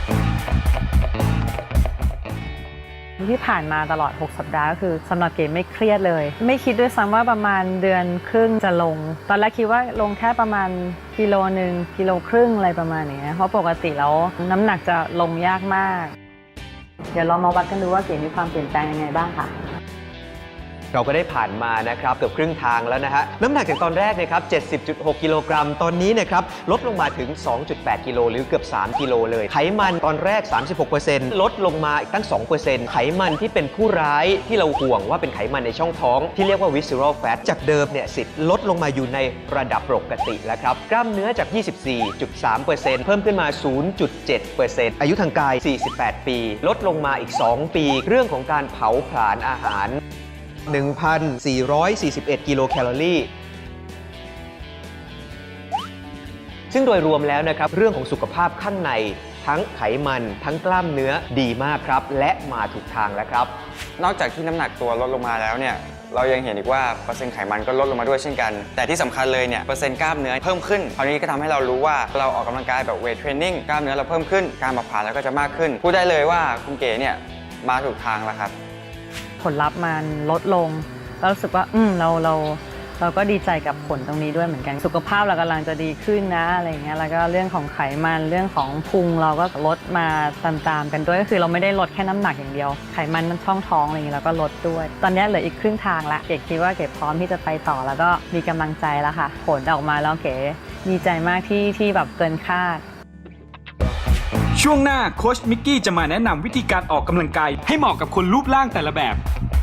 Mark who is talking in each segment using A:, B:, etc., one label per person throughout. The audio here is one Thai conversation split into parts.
A: ที่ผ่านมาตลอด6สัปดาห์ก็คือสำหรับเก๋ไม่เครียดเลยไม่คิดด้วยซ้ำว่าประมาณเดือนครึ่งจะลงตอนแรกคิดว่าลงแค่ประมาณกิโลนึงกิโลครึ่งอะไรประมาณนี้เพราะปกติแล้วน้ำหนักจะลงยากมากเดี๋ยวเรามาวัดกันดูว่าเก๋มีความเปลี่ยนแปลงยังไงบ้างค่ะ
B: เราก็ได้ผ่านมานะครับเกือบครึ่งทางแล้วนะฮะน้ำหนักจากตอนแรกนะครับ 70.6 กิโลกรัมตอนนี้นะครับลดลงมาถึง 2.8 กิโลหรือเกือบ 3 กิโลเลยไขมันตอนแรก 36% ลดลงมาอีกตั้ง 2% ไขมันที่เป็นผู้ร้ายที่เราห่วงว่าเป็นไขมันในช่องท้องที่เรียกว่า visceral fat จากเดิมเนี่ย10ลดลงมาอยู่ในระดับปกติแล้วครับกล้ามเนื้อจาก 24.3% เพิ่มขึ้นมา 0.7% อายุทางกาย 48 ปีลดลงมาอีก 2 ปีเรื่องของการเผาผลาญอาหาร1,441 กิโลแคลอรี่ซึ่งโดยรวมแล้วนะครับเรื่องของสุขภาพข้างในทั้งไขมันทั้งกล้ามเนื้อดีมากครับและมาถูกทางแล้วครับ
C: นอกจากที่น้ำหนักตัวลดลงมาแล้วเนี่ยเรายังเห็นอีกว่าเปอร์เซ็นต์ไขมันก็ลดลงมาด้วยเช่นกันแต่ที่สำคัญเลยเนี่ยเปอร์เซ็นต์กล้ามเนื้อเพิ่มขึ้นคราวนี้ก็ทำให้เรารู้ว่าเราออกกำลังกายแบบเวทเทรนนิ่งกล้ามเนื้อเราเพิ่มขึ้นการเผาผลาญเราก็จะมากขึ้นพูดได้เลยว่าคุณเก๋เนี่ยมาถูกทางแล้วครับ
A: ผลลัพธ์มันลดลงแล้วรู้สึกว่าเราก็ดีใจกับผลตรงนี้ด้วยเหมือนกันสุขภาพเรากำลังจะดีขึ้นนะอะไรเงี้ยแล้วก็เรื่องของไขมันเรื่องของพุงเราก็ลดมาตามๆกันด้วยก็คือเราไม่ได้ลดแค่น้ำหนักอย่างเดียวไขมันช่องท้องอะไรเงี้ยเราก็ลดด้วยตอนนี้เหลืออีกครึ่งทางละเก๋คิดว่าเก๋พร้อมที่จะไปต่อแล้วก็มีกำลังใจแล้วค่ะผลออกมาแล้วเก๋ดีใจมากที่แบบเกินคาด
D: ช่วงหน้าโค้ชมิกกี้จะมาแนะนำวิธีการออกกำลังกายให้เหมาะกับคนรูปร่างแต่ละแบบ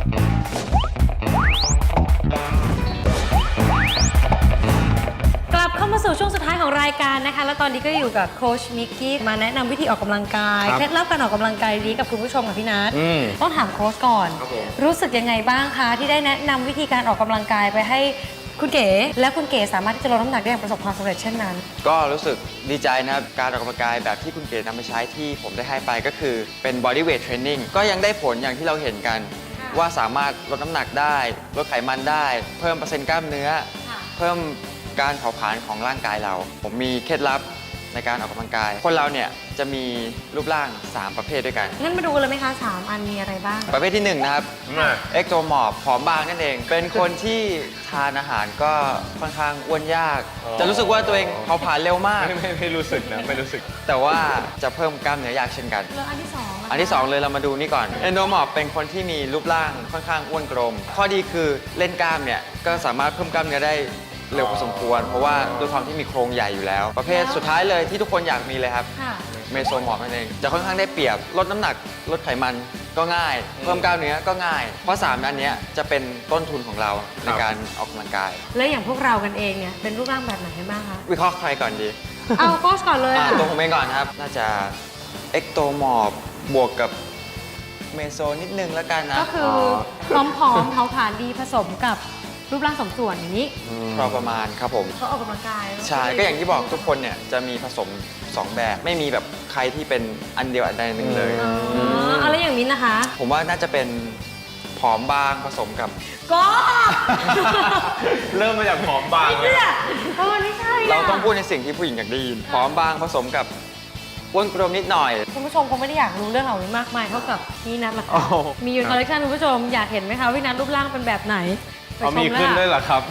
E: กลับเข้ามาสู่ช่วงสุดท้ายของรายการนะคะแล้วตอนนี้ก็อยู่กับโค้ชมิกกี้มาแนะนำวิธีออกกำลังกายเคล็ดลับการออกกำลังกายดีกับคุณผู้ชมกับพี่นัทต้องถามโค้ชก่อนรู้สึกยังไงบ้างคะที่ได้แนะนำวิธีการออกกำลังกายไปให้คุณเก๋และคุณเก๋สามารถที่จะลดน้ำหนักได้อย่างประสบความสำเร็จเช่นนั้น
C: ก็รู้สึกดีใจนะครับการออกกำลังกายแบบที่คุณเก๋นำไปใช้ที่ผมได้ให้ไปก็คือเป็น body weight training ก็ยังได้ผลอย่างที่เราเห็นกันว่าสามารถลดน้ำหนักได้ลดไขมันได้เพิ่มเปอร์เซ็นต์กล้ามเนื้อเพิ่มการเผาผลาญของร่างกายเราผมมีเคล็ดลับในการออกกำลังกายคนเราเนี่ยจะมีรูปร่าง3ประเภทด้วยกัน
E: งั้นมาดูกันเลยไหมคะ3อันมีอะไรบ้าง
C: ประเภทที่1นะครับเอ็กโทมอร์ฟผอมบางนั่นเองเป็นคนที่ทานอาหารก็ค่อนข้างอ้วนยากจะรู้สึกว่าตัวเองเผาผลาญเร็วมาก
B: ไม่รู้สึกนะไม่รู้สึก
C: แต่ว่าจะเพิ่มกล้ามเนื้อยากเช่นกัน
E: แล้วอันที่2
C: อันที่2เลยเรามาดูนี่ก่อนเอนโดมอร์ฟเป็นคนที่มีรูปร่างค่อนข้างอ้วนกลมข้อดีคือเล่นกล้ามเนี่ยก็สามารถเพิ่มกล้ามเนื้อได้เร็วพอสมควรเพราะว่าด้วยความที่มีโครงใหญ่อยู่แล้วประเภทสุดท้ายเลยที่ทุกคนอยากมีเลยครับเมโซมอร์ฟนั่นเองจะค่อนข้างได้เปรียบลดน้ำหนักลดไขมันก็ง่ายเพิ่มกล้ามเนื้อก็ง่ายเพราะ3อันนี้จะเป็นต้นทุนของเราในการออกกำลังกาย
E: และอย่างพวกเรากันเองเนี่ยเป็นรูปร่างแบบไหนกันบ้างคะ
C: วิเคราะห์ใครก่อนดี
E: เอาโค้ชก่อนเลย
C: ตัวผมเองก่อนครับน่าจะเอ็กโตมอร์ฟบวกกับเมโซนิดนึงแล้วกันนะ
E: ก็คือผอมๆเผาผลาญดีผสมกับรูปร่างสมส่วนอย่างนี้
C: พอประมาณครับผม
E: เขาออกกำลังกาย
C: ใช่ก็อย่างที่บอกทุกคนเนี่ยจะมีผสม2แบบไม่มีแบบใครที่เป็นอันเดียวอันใดหนึ่งเลย
E: อะไรอย่างมิ้นนะคะ
C: ผมว่าน่าจะเป็นผอมบางผสมกับ
E: ก็
B: เริ่มมาจากผอมบาง
E: เลยไม่ใช่
C: เราต้องพูดในสิ่งที่ผู้หญิงอยากได้ยินผอมบางผสมกับอ้วนกลมนิดหน่อย
E: คุณผู้ชมคงไม่ได้อยากรู้เรื่องเหล่านี้มากมายเท่ากับพี่นัทหรอกมีอยู่คอลเลคชันคุณผู้ชมอยากเห็นไหมคะพี่นัทรูปร่างเป็นแบบไหน
B: มีขึ้นด้วยเหรอครับ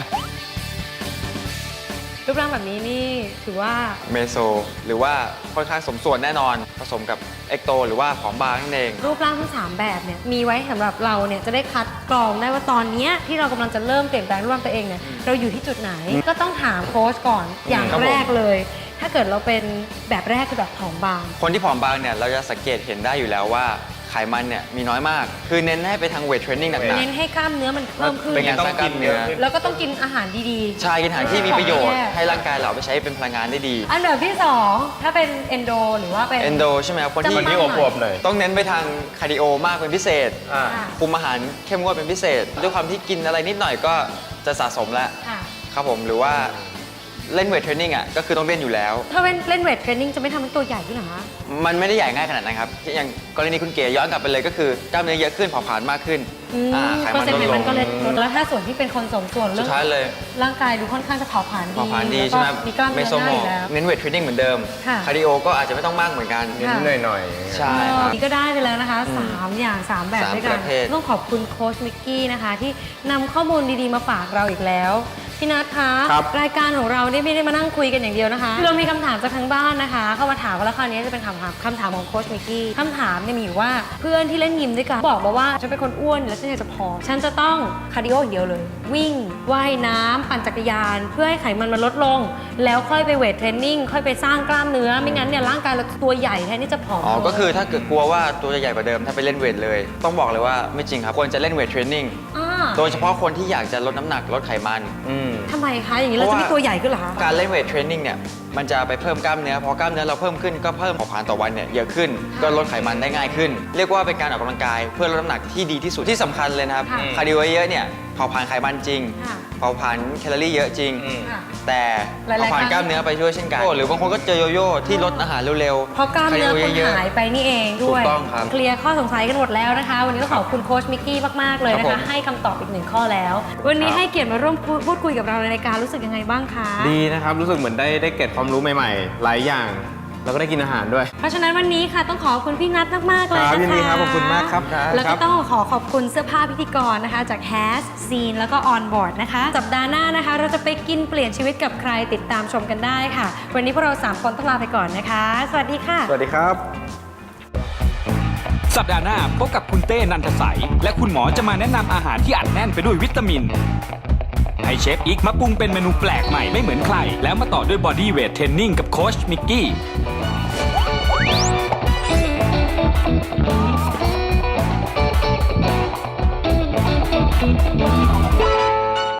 E: รูปร่างแบบนี้นี่ถือว่า
C: เมโซหรือว่าค่อนข้างสมส่วนแน่นอนผสมกับเอ็กโตหรือว่าผอมบางนั่นเอง
E: รูปร่างทั้ง3แบบเนี่ยมีไว้สำหรับเราเนี่ยจะได้คัดกรองได้ว่าตอนนี้ที่เรากำลังจะเริ่มเปลี่ยนแปลงรูปร่างตัวเองเนี่ยเราอยู่ที่จุดไหนก็ต้องถามโค้ชก่อนอย่างแรกเลยถ้าเกิดเราเป็นแบบแรกคือแบบผอมบาง
C: คนที่ผอมบางเนี่ยเราจะสังเกตเห็นได้อยู่แล้วว่าไขมันเนี่ยมีน้อยมากคือเน้นให้ไปทางเวทเทรนนิ่งหนักๆ
E: เน้นให้กล้ามเนื้อมันเพิ่มขึ้น
C: เป็นการสร้างกล้ามเนื้อ
E: แล้วก็ต้องกินอาหารดี
C: ๆใช่กินอาหารที่มีประโยชน์ให้ร่างกายเราไปใช้เป็นพลังงานได้ดี
E: อันดับที่2ถ้าเป็นเอนโดหรือว่าเป็น
C: เอนโดใช่ไหมครับคนที่
B: อวบๆเลย
C: ต้องเน้นไปทางคาร์ดิโอมากเป็นพิเศษคุมอาหารเข้มงวดเป็นพิเศษด้วยความที่กินอะไรนิดหน่อยก็จะสะสมแล้วครับผมหรือว่าเล่นเวทเทรนนิ่งอ่ะก็คือต้องเล่นอยู่แล้ว
E: ถ้าเล่นเวทเทรนนิ่งจะไม่ทำให้ตัวใหญ่ขึ้นเหรอคะ
C: มันไม่ได้ใหญ่ง่ายขนาดนั้นครับอย่างกรณีคุณเก๋ย้อนกลับไปเลยก็คือกล้ามเนื้อเยอะขึ้นเผาผลาญมากขึ้นไข
E: เปอ
C: มั
E: ร์
C: น
E: เซ็นต์
C: ล
E: ไข
C: ดล
E: มัน
C: ง
E: ก็เลยลดแล้วถ้าส่วนที่เป็นคนสมส่วน
C: สุ
E: เรื่อ
C: ด
E: ง
C: ท้ายเลย
E: ร่างกายดูค่อนข้างจะเผาผลาญ
C: เผาผลาญดี
E: แล้ว
C: ใช่
E: ก็
C: ไหม
E: มีกล้ามเนื้
C: ไม่
E: อ
C: โซ
E: ห
C: โม
E: น้าอยู่แล้ว
C: เน้นเวทเทรนนิ่งเหมือนเดิม
E: ค่ะ
C: คาร์ดิโอก็อาจจะไม่ต้องมากเหมือนกัน
E: ค่ะ
F: หน่อย
C: ใช่ครับ
E: นี่ก็ได้ไปแล้วนะคะ 3 อย่าง 3 แบบ
C: 3
E: ด้วยกั
C: ป
E: น
C: ระเภท
E: ต้องขอบคุณโค้ชมิกกี้นะคะ ที่นำข้อมูลดีๆมาฝากเราอีกแล้ว พี่นัทคะ
F: ครับ
E: รายการของเราเนี่ยไม่ได้มานั่งคุยกันอย่างเดียวนะคะเรามีคำถามจากทางบ้านนะคะ เข้ามาถามว่าแล้วคราวนี้จะเป็นคำถามของโค้ชมิกกี้คำถามเนี่ยมีอยู่ว่าเพื่อนที่เล่นยิมด้วยกันบอกมาว่าฉันเป็นคนอ้วนแล้วฉันอยากจะผอมฉันจะต้องคาร์ดิโออย่างเดียวเลย วิ่งว่ายน้ำปั่นจักรยาน เพื่อให้ไขมันมันลดลง แล้วค่อยไปเวทเทรนนิ่งค่อยไปสร้างกล้ามเนื้อไม่งั้นเนี่ยร่างกายเราตัวใหญ่แทนที่จะผอม
C: อ๋อ
E: ลง
C: ก็คือถ้าเกิดกลัวว่าตัวจะใหญ่กว่าเดิมถ้าไปเล่นเวทเลย ต้องบอกเลยว่าไม่จริงครับควรจะเล่นเวทเทรนนิ่ง
E: อ่า
C: โดยเฉพาะคนที่อยากจะลดน้ำหนักลดไขมัน
E: ทำไมคะอย่างนี้เราจะไม่ตัวใหญ่ขึ้นเหรอคะ
C: การเล่นเวทเทรนนิ่งเนี่ยมันจะไปเพิ่มกล้ามเนื้อพอกล้ามเนื้อเราเพิ่มขึ้นก็เพิ่มเผาผลาญต่อวันเนี่ยเยอะขึ้นก็ลดไขมันได้ง่ายขึ้น เรียกว่าเป็นการออกกำลังกายเพื่อลดน้ำหนักที่ดีที่สุดที่สำคัญเลยนะครับ
E: ค่ะ
C: คาร์ดิโอเยอะเนี่ยเผาผลาญไขมันจริง
E: ค่ะ
C: เผาผลาญแคลอรี่เยอะจริง
E: ค่ะ
C: แต่
E: หลายๆ
C: เผาผลาญ
E: ครั้ง
C: กล้ามเนื้อไปช่วยเช่นกันหรือบางคนก็เจอโยโย่ที่ลดอาหารเร็วๆ
E: เพราะกล้ามเนื้อคุณ
C: ยะๆ
E: หายไปนี่เองด้วย
C: ถูกต้องครับ
E: เคลียร์ข้อสงสัยกันหมดแล้วนะคะ วันนี้ต้องขอบคุณโค้ชมิกกี้มากๆเลยนะ
C: ครับผ
E: คะ
C: ม
E: ให้คำตอบอีกหนึ่งข้อแล้ว วันนี้ให้เกียรติมาร่วมพูดคุยกับเราในรายการรู้สึกยังไงบ้างคะ
F: ดีนะครับ รู้สึกเหมือนได้เก็บความรู้ใหม่ๆ หลายอย่าง แล้วก็ได้กินอาหารด้วย
E: เพราะฉะนั้นวันนี้ค่ะต้องขอบคุณพี่นัทมากๆเลย
F: ครั
E: นะคะ
F: บยินดีครับขอบคุณมากครับ
E: แล้วก็ต้องขอบคุณเสื้อผ้าพิธีกรนะคะจาก Has Scene แล้วก็ On Board นะคะสัปดาห์หน้านะคะ เราจะไปกินเปลี่ยนชีวิตกับใครติดตามชมกันได้ค่ะ วันนี้พวกเรา3คนต้องลาไปก่อนนะคะ สวัสดีค่ะ
F: สวัสดีครับ
D: สัปดาห์หน้าพบกับคุณเต้นันทสัยและคุณหมอจะมาแนะนำอาหารที่อัดแน่นไปด้วยวิตามิน ให้เชฟอีกมาปรุงเป็นเมนูแปลกใหม่ไม่เหมือนใคร แล้วมาต่อด้วยบอดี้เวทเทรนนิ่งกับโค้ชมิกกี้